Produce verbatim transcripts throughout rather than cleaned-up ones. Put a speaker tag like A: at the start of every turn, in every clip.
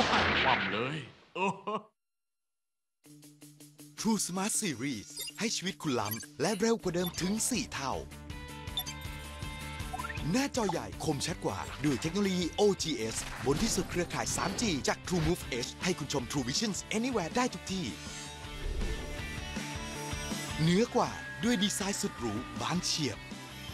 A: ความเลย
B: True Smart Series ให้ชีวิตคุณล้ำและเร็วกว่าเดิมถึงสี่เท่าหน้าจอใหญ่คมชัดกว่าด้วยเทคโนโลยี โอ จี เอส บนที่สุดเครือข่าย ทรี จี จาก TrueMove Edge ให้คุณชม True Vision Anywhere ได้ทุกที่เหนือกว่าด้วยดีไซน์สุดหรูบางเฉียบ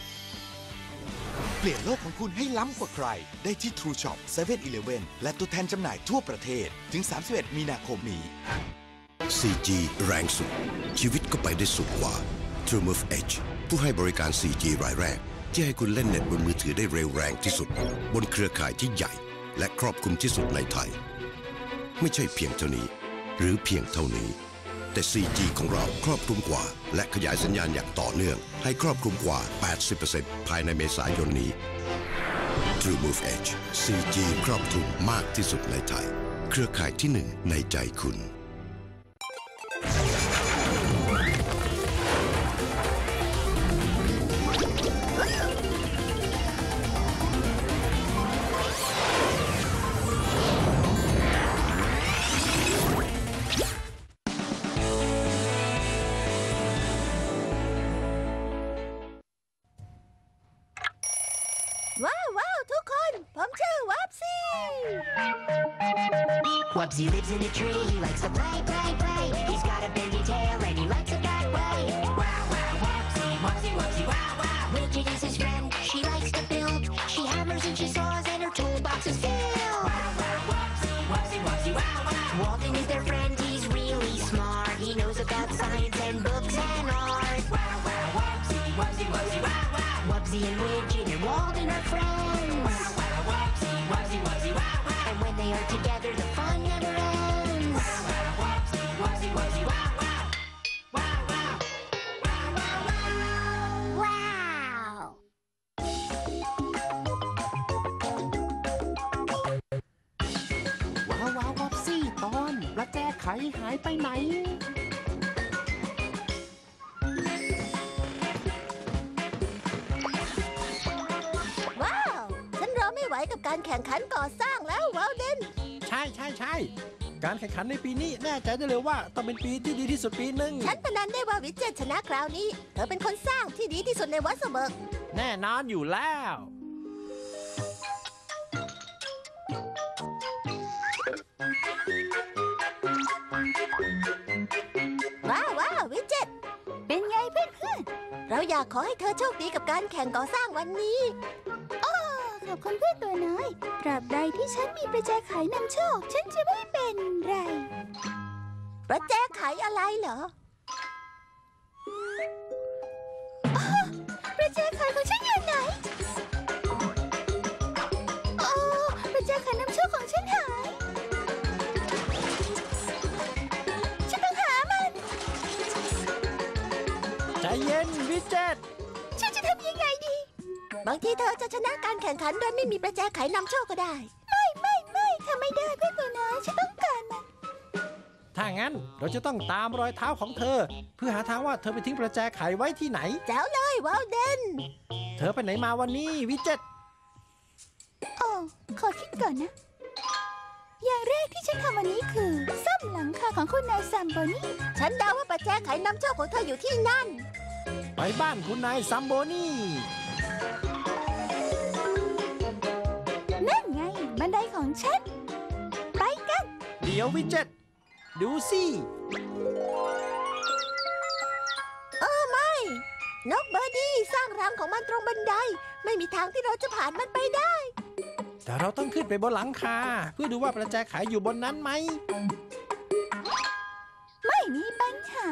B: เปลี่ยนโลกของคุณให้ล้ำกว่าใครได้ที่ True Shop เซเว่น อีเลฟเว่น และตัวแทนจำหน่ายทั่วประเทศถึงสามสิบเอ็ดมีนาคมนี้
C: โฟร์ จี แรงสุดชีวิตก็ไปได้สุดกว่า TrueMove Edge ผู้ให้บริการ โฟร์ จี รายแรกที่ให้คุณเล่นเน็ตบนมือถือได้เร็วแรงที่สุดบนเครือข่ายที่ใหญ่และครอบคลุมที่สุดในไทยไม่ใช่เพียงเท่านี้หรือเพียงเท่านี้แต่ โฟร์ จี ของเราครอบคลุมกว่าและขยายสัญญาณอย่างต่อเนื่องให้ครอบคลุมกว่า แปดสิบเปอร์เซ็นต์ ภายในเมษายนนี้ TrueMove Edge โฟร์ จี ครอบคลุมมากที่สุดในไทยเครือข่ายที่หนึ่งในใจคุณ
D: ว้าวว้าวทุกคนผมชื่อวับซี่
E: Wubsy lives in a tree, he likes to play, play, play. He's got a bendy tail and he likes it that way. Wow, wow, Wubsy, Wubsy, Wubsy, wow, wow. Widget is his friend, she likes to build. She hammers and she saws and her toolbox is filled. Wow, wow, Wubsy, Wubsy, Wubsy, wow, wow. Walden is their friend, he's really smart. He knows about science and books and art. Wow, wow, Wubsy, Wubsy, Wubsy, wow, wow. Wubsy and Widget and Walden are friends. Wow, wow, Wubsy, Wubsy, Wubsy, wow, wow. And when they are together, the fun never ends. Wow, wow, Wubsy, Wubsy, Wubsy, wow, wow. Wow, wow. Wow, wow, wow.
D: Wow
F: ว้าวว้าววับซี่ตอนประแจไขหายไปไหน
D: ว้าวฉันรอไม่ไหวกับการแข่งขันก่อสร้างแล้ววาวเดน
F: ใช่ใช่ใช่การแข่งขันในปีนี้แน่ใจได้เลยว่าต้องเป็นปีที่ดีที่สุดปีหนึ่ง
D: ฉันพนันได้ว่าวิจเจตชนะคราวนี้เธอเป็นคนสร้างที่ดีที่สุดในวัสเบิร์ก
F: แน่นอนอยู่แล้ว
D: ว้าวว้าววิจเจตเป็นไงเพื่อนเพื่อนเราอยากขอให้เธอโชคดีกับการแข่งก่อสร้างวันนี้อ้อขอบคุณเพื่อนตัวน้อยตราบใดที่ฉันมีประแจไขนำโชคฉันจะไม่เป็นไรประแจไขอะไรเหรออ้อประแจไขของฉันอยู่ไหนโอ้ประแจไขนำโชคของฉันหายฉันต้องหามัน
F: ใจเย็นวิจเจต
D: ฉันจะทำยังไงดีบางทีเธอจะชนะการแข่งขันโดยไม่มีประแจไขนำโชคก็ได้ไม่ไม่ไม่ทำไม่ได้เพื่อนตัวน้อยฉันต้องการมัน
F: ถ้างั้นเราจะต้องตามรอยเท้าของเธอเพื่อหาทางว่าเธอไปทิ้งประแจไขไว้ที่ไหน
D: แจ๋วเลยวาวเดน
F: เธอไปไหนมาวันนี้วิจเจต
D: โอ้ขอคิดก่อนนะ อย่างแรกที่ฉันทำวันนี้คือซ่อมหลังคาของคุณนายซัมโบนี่ฉันเดาว่าประแจไขนำโชคของเธออยู่ที่นั่น
F: ไปบ้านคุณนายซัมโบนี่
D: นั่นไงบันไดของฉันไปกัน
F: เดี๋ยววิจเจตดูสิ
D: เออไม่นกเบอร์ดี้สร้างรังของมันตรงบันไดไม่มีทางที่เราจะผ่านมันไปได้
F: แต่เราต้องขึ้นไปบนหลังคาเพื่อดูว่าประแจไขอยู่บนนั้นไหม
D: ไม่มีปัญหา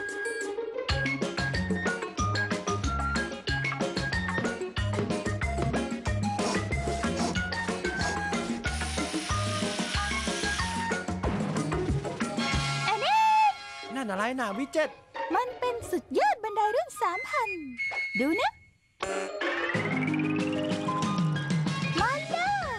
F: นั่นอะไรนะวิจเจต
D: มันเป็นสุดยอดบันไดรุ่นสามพันดูนะมาเลย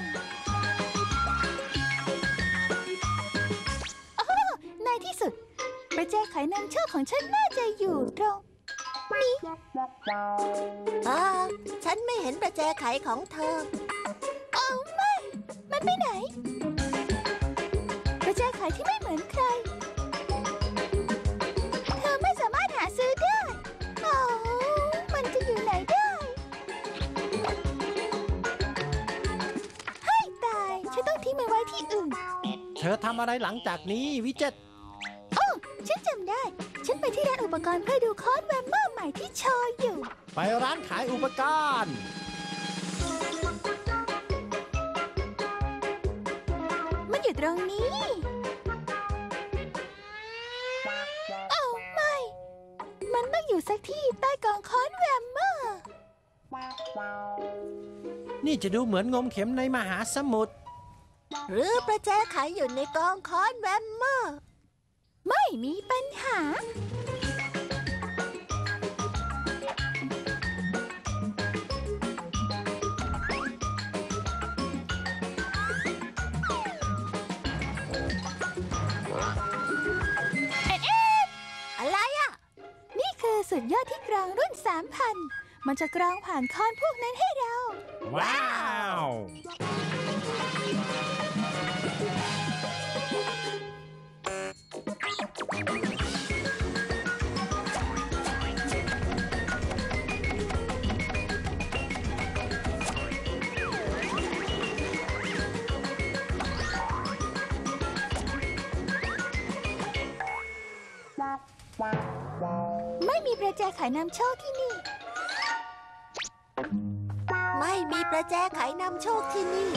D: โอ้ในที่สุดประแจไขนำโชคของฉันน่าจะอยู่ตรงนี้อ่าฉันไม่เห็นประแจไขของเธอโอ้ไม่มันไปไหนฉันต้องทิ้งมันไว้ที่อื่น
F: เธอทำอะไรหลังจากนี้วิเจต
D: โอ้ฉันจำได้ ฉันไปที่ร้านอุปกรณ์เพื่อดูคอนแวมเมอร์ใหม่ที่โชว์อยู่
F: ไปร้านขายอุปกรณ์
D: มันอยู่ตรงนี้โอ้ไม่ มันต้องอยู่สักที่ใต้กองคอนแวมเมอร์
F: นี่จะดูเหมือนงมเข็มในมหาสมุทร
D: หรือประแจไขอยู่ในกองคอนแวมเมอร์ ไม่มีปัญหา เอ็ดเอ็ดอะไรอ่ะ นี่คือสุดยอดที่กรองรุ่น สามพัน มันจะกรองผ่านคอนพวกนั้นให้เรา
F: ว้าว
D: ไม่มีประแจไขนำโชคที่นี่ ไม่มีประแจไขนำโชคที่นี่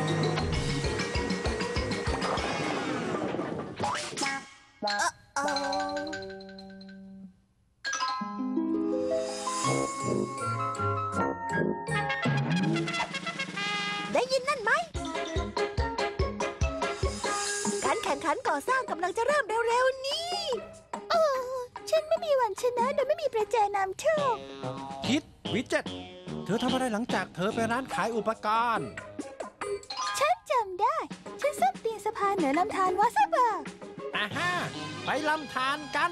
D: เอ่อเอ่อได้ยินนั่นไหม การแข่งขันก่อสร้างกำลังจะเริ่มเร็วๆนี้โอ้ฉันไม่มีวันชนะโดยไม่มีประแจนำโชค
F: คิดวิเจต เธอทำอะไรหลังจากเธอไปร้านขายอุปกรณ์
D: ฉันจำได้ ฉันซ่อมเตียงสะพานเหนือลำธารวอสเบิร์ก
F: อ่าฮะไปลำธารกัน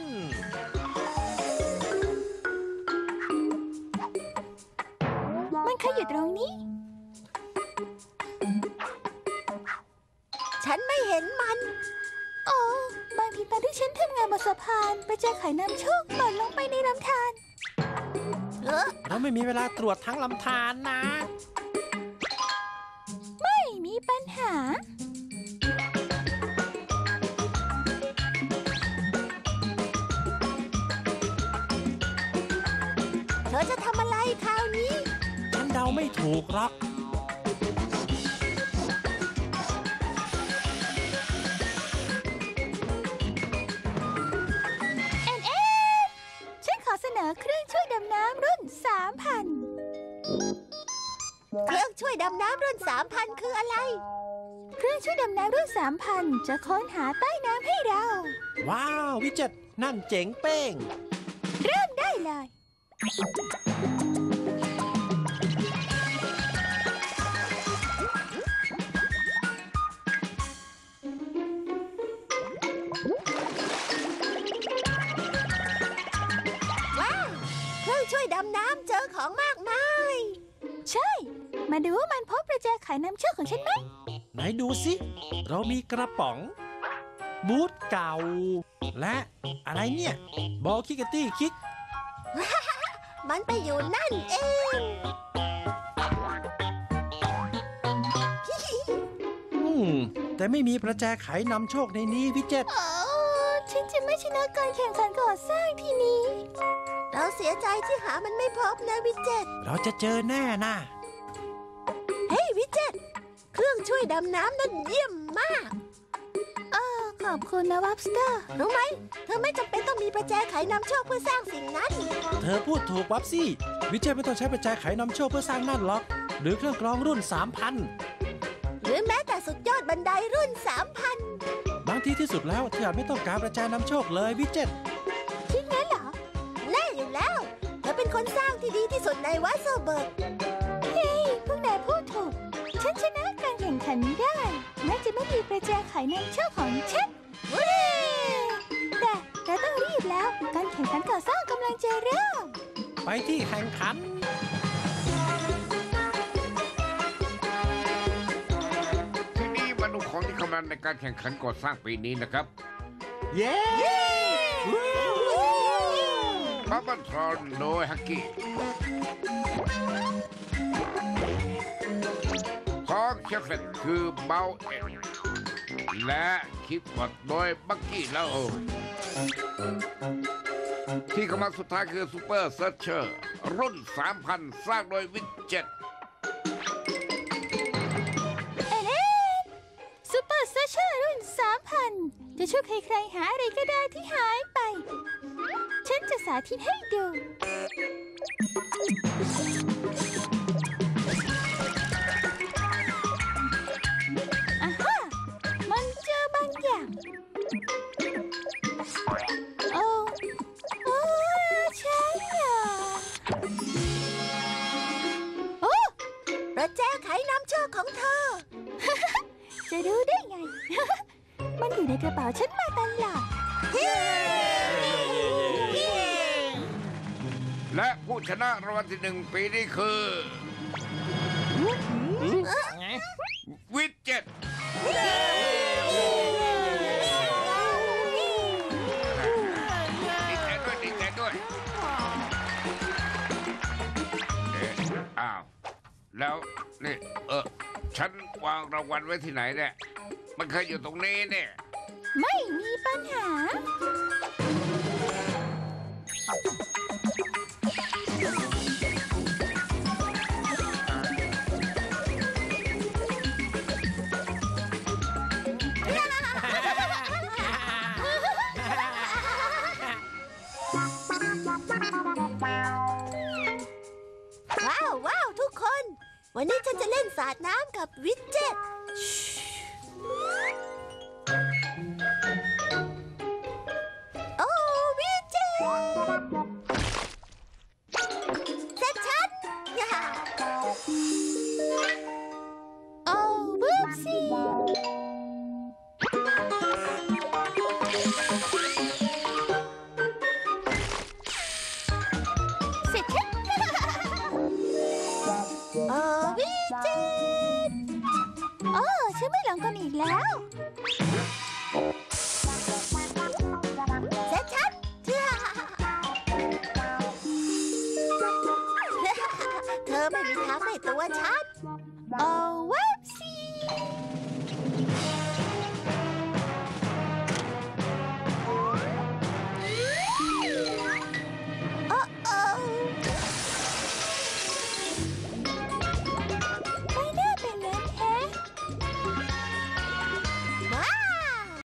D: มันเคยอยู่ตรงนี้ ฉันไม่เห็นมัน โอ้บางทีตอนที่ฉันทำงานบนสะพานไปเจอไข่น้ำโชคหล่นลงไปในลำธารเออ
F: เราไม่มีเวลาตรวจทั้งลำธารนะ
D: ไม่มีปัญหา เธอจะทำอะไรคราวนี้
F: ฉันเดาไม่ถูกหรอก
D: เอ็นเอ็นฉันขอเสนอเครื่องช่วยดำน้ำรุ่น สามพัน เครื่องช่วยดำน้ำรุ่น สามพัน คืออะไร เครื่องช่วยดำน้ำรุ่น สามพัน จะค้นหาใต้น้ำให้เรา
F: ว้าววิเจต นั่นเจ๋งเป้ง
D: เริ่มได้เลย ว้าว เครื่องช่วยดำน้ำเจอของมากมาย ใช่ มาดูว่ามันพบประแจไขน้ำโชคของฉันไหม
F: ไหนดูสิ เรามีกระป๋อง บูทเก่า และอะไรเนี่ย บอลคิกเกตตี้คิก
D: มันไปอยู่นั่นเอง
F: อืม แต่ไม่มีประแจไขนำโชคในนี้วิเจต
D: โอ้ฉันจะไม่ชนะการแข่งขันก่อสร้างทีนี้ เราเสียใจที่หามันไม่พบนะวิเจต
F: เราจะเจอแน่นะ
D: เฮ้ยวิเจต เครื่องช่วยดำน้ำนั่นเยี่ยมมากเออขอบคุณนะวับสเตอร์ รู้ไหม เธอไม่จำเป็นต้องมีประแจไขนำโชคเพื่อสร้างสิ่งนั้น
F: เธอพูดถูกวับซี่ วิเจตไม่ต้องใช้ประแจไขนำโชคเพื่อสร้างนั่นหรอก หรือเครื่องกรองรุ่น สามพัน
D: หรือแม้แต่สุดยอดบันไดรุ่น สามพัน
F: บางทีที่สุดแล้วเธออาจไม่ต้องการประแจนำโชคเลยวิเจต
D: คิดงั้นเหรอ แน่อยู่แล้ว เธอเป็นคนสร้างที่ดีที่สุดในวัสเบิร์กเฮ้ยพวกนายพูดถูก ฉันชนะการแข่งขันได้แม้จะไม่มีประแจไขนำโชคของฉันเว้ยแต่เราต้องรีบแล้ว การแข่งขันก่อสร้างกำลังจะเริ่ม
F: ไปที่แข่งขัน
A: ทีนี้มาดูของที่กำลังในการแข่งขันก่อสร้างปีนี้นะครับ
F: เย้
A: บับเบิ้ลทรอนโดยฮักกี้ของเชฟเฟตคือเบลเอ็ดและคิดบทโดยบักกี้แล้วที่กำลังสุดท้ายคือซูเปอร์เซิร์ชเชอร์รุ่น สามพัน สร้างโดยวิดเจ็ต
D: เอเลนซูเปอร์เซอร์เชอร์รุ่นสามพันจะช่วยใครๆหาอะไรก็ได้ที่หายไป ฉันจะสาธิตให้ดูอ่าฮะมันเจอบางอย่างโอ้โอ้ใช่เหรอโอ้ประแจไขน้ำโชคของเธอ จะรู้ได้ไง มันอยู่ในกระเป๋าฉันมาตลอด
A: และผู้ชนะรางวัลที่หนึ่งปีนี้คือวิดเจ็ตดีใจด้วยดีใจด้วยเอ๊ะอ้าวแล้วนี่เออฉันวางรางวัลไว้ที่ไหนเนี่ยมันเคยอยู่ตรงนี้เนี่ย
D: ไม่มีปัญหา ว้าวว้าวทุกคน วันนี้ฉันจะเล่นสาดน้ำกับวิดเจ็ต โอ้วิดเจ็ตเสร็จฉัน โอ้บูบซี่เสร็จฉัน โอ้วิดเจ็ตโอ้ฉันไม่หลงกันอีกแล้ว เสร็จฉัน เธอไม่มีทางได้ตัวฉัน